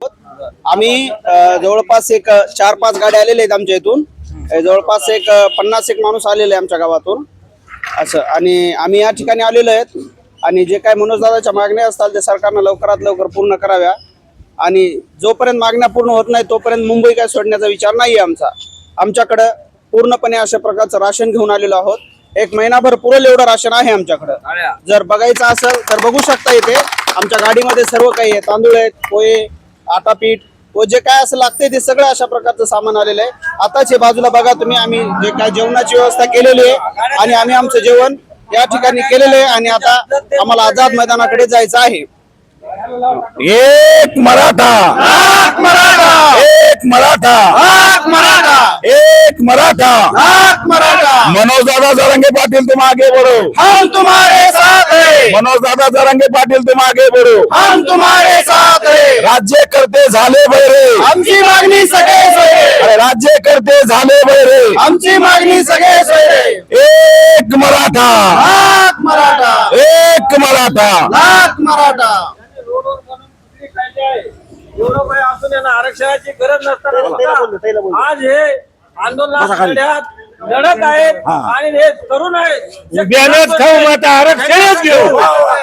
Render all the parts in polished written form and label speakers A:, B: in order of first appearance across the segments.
A: आम्ही जवळपास एक 4-5 गाड्या आलेल्या आहेत आमच्या इथून. जवळपास एक 50 माणूस आलेले आहे आमच्या गावातून असं. आणि आम्ही या ठिकाणी आलेलो आहेत आणि जे काय मनोजदादाच्या मागण्या असतात ते सरकारनं लवकरात लवकर पूर्ण कराव्या. आणि जोपर्यंत मागण्या पूर्ण होत नाही तोपर्यंत मुंबई काय सोडण्याचा विचार नाही आहे आमचा. आमच्याकडं पूर्णपणे अशा प्रकारचं राशन घेऊन आलेलो आहोत. 1 महिनाभर पुरेल एवढं राशन आहे आमच्याकडं. जर बघायचं असेल तर बघू शकता इथे आमच्या गाडीमध्ये सर्व काही आहे. तांदूळ आहेत, पोहे, आटा पीठ व जे काय असं लागते ते सगळं अशा प्रकारचं सामान आलेलं आहे. आताच हे बाजूला बघा तुम्ही, आम्ही जे काय जेवणाची व्यवस्था केलेली आहे आणि आम्ही आमचं जेवण या ठिकाणी केलेलं आहे. आणि आता आम्हाला आझाद मैदानाकडे जायचं आहे.
B: एक मराठा, एक मराठा, एक मराठा. मनोज दादा जरांगे पाटील तुम आगे बढ़ो,
A: हम तुम्हारे साथ हैं.
B: मनोज दादा जरांगे पाटील तुम आगे बढ़ो,
A: हम तुम्हारे साथ हैं.
B: राज्यकर्ते झाले बहिरे,
A: आमची मागणी सगळे सोयरे.
B: अरे राज्यकर्ते झाले बहिरे.
A: आमची मागणी सगळे सोयरे.
B: एक मराठा,
A: लाख मराठा,
B: एक मराठा.
A: लाख मराठा.
C: एवढं काही असून यांना आरक्षणाची गरज नसताना सुद्धा आज हे आंदोलनात लढत आहेत आणि हे तरुण आहेत.
B: बियाणच खाऊ मग आरक्षणच घेऊ.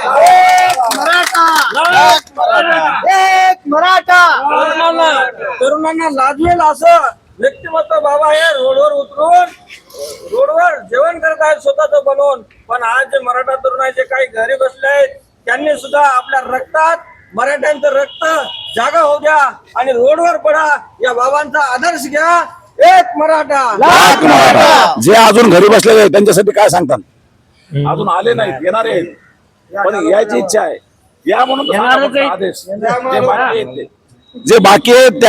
A: एक मराठा.
C: तरुणांना लाजवेल असं व्यक्तिमत्व बाबा हे रोडवर उतरून रोडवर जेवण करत आहेत स्वतःच बनवून. पण आज जे मराठा तरुण आहेत जे काही घरी बसले आहेत त्यांनी सुद्धा आपल्या रक्तात मराठ्यांचं रक्त जागा होऊ द्या आणि रोडवर पडा. या बाबांचा आदर्श घ्या. एक मराठा,
B: लाख मराठा. जे अजून घरी बसलेले आहेत त्यांच्यासाठी काय सांगतात? अजून आले नाहीत, येणार आहेत, पण यायची इच्छा आहे. या म्हणून आदेश जे बाकी आहेत